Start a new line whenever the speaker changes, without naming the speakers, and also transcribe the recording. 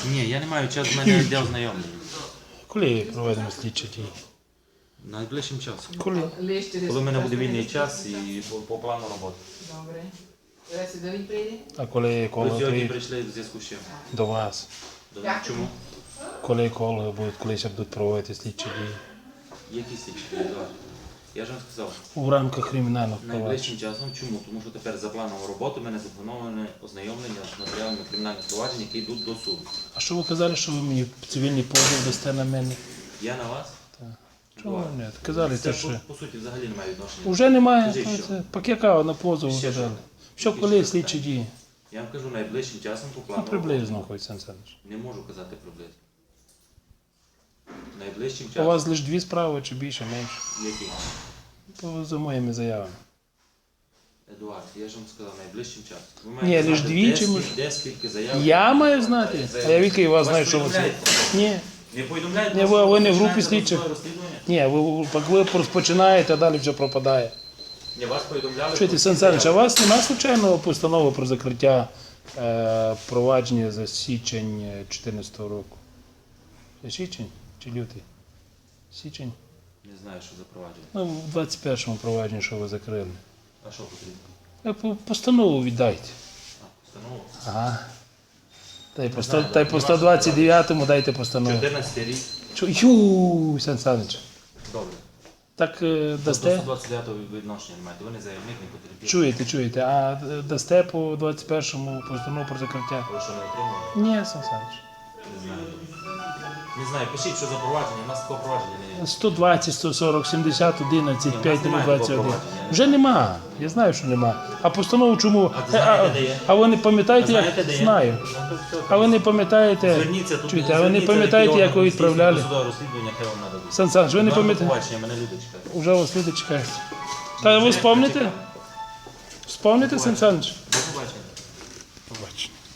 Ні, я не маю часу, в мене йде ознайомлення.
Коли проведемо слідчі дії?
Найближчим часом.
Коли?
Коли в мене буде вільний час і по плану роботи.
Добре. Зараз до він прийде?
А коли
Ви
коло
сьогодні
приїде
прийшли в зв'язку з чим?
до вас?
Чому?
Коли коло будуть, колись будуть проводити слідчі дії?
Які слідчі? Едуард? Я ж вам сказав,
У рамках кримінального провадження.
найближчим часом. Чому? Тому що тепер за планом роботи в мене заплановане ознайомлення з матеріалами кримінальних проваджень, які йдуть до суду.
А що ви казали, що ви мені цивільний позов дасте на мене?
Я на вас?
Чого ні? Казали,
Це
те, що...
по суті взагалі немає відношення.
Уже немає,
Скажіть,
то
що?
це пакета на позов
Ще
казали.
що?
Що коли слідчі дії?
Я вам кажу, найближчим часом по плану
Ну, приблизно,
роботи.
хоч Сан Саныч.
Не можу казати приблизно. Найближчим
У
часом.
вас лише 2 справи, чи більше, менше?
Які?
За моїми заявами.
Едуард, я ж вам сказав, найближчим часом. Ви
Ні,
маєте
лише
знати,
дві
де
чи
скільки-
може-
де скільки заяв.
Я маю знати? А я відки вас знаю, що ви це.
повідомляєте?
Ні.
Не повідомляєте?
Ні,
вас,
ви не в
що
групі
починаєте
слідчих.
розслідування?
Ні, ви розпочинаєте, а далі все пропадає.
Ні, вас повідомляли.
Чуєте,
про
Сан
всі
Саныч, а у
заяви.
вас немає случайного постанови про закриття провадження за січень 2014 року? Це січень чи лютий? Січень?
Не знаю, що за провадження.
Ну, в 21-му провадженні, що ви закрили.
А що потрібно?
Постанову віддайте.
Постанову?
Ага. Та
знаю,
й по 129-му дайте постанову.
14 рік.
Ю, Сан Саныч.
Добре.
Так
До
дасте?
129-го відношення не маєте. Ви не заявник, не потрібні.
Чуєте, а дасте по 21-му постанову про закриття?
Ви що не отримали?
Ні, Сан Саныч.
Не знаю. Не знаю, пишіть, що за провадження. У нас такого провадження не є.
120, 140, 70, 11,
Ні,
5,
у нас немає
21.
такого провадження.
Вже нема. Я знаю, що нема. А постанову чому?
А знаєте, де є?
А ви не пам'ятаєте,
Знаєте,
як?
де є?
Знаю.
Ну, то все.
А ви не пам'ятаєте?
Зверніться тут.
Чуєте, а ви не
зверніться,
пам'ятаєте,
який
як ви
орган
відправляли?
здійснює досудове розслідування, яке вам нададуть.
Сан Саныч, ви не
До
пам'ятаєте?
побачення, мене люди чекають.
Уже вас люди чекають. Та ви вспомните? Вспомните, Сан Саныч?
До побачення.
Побачення.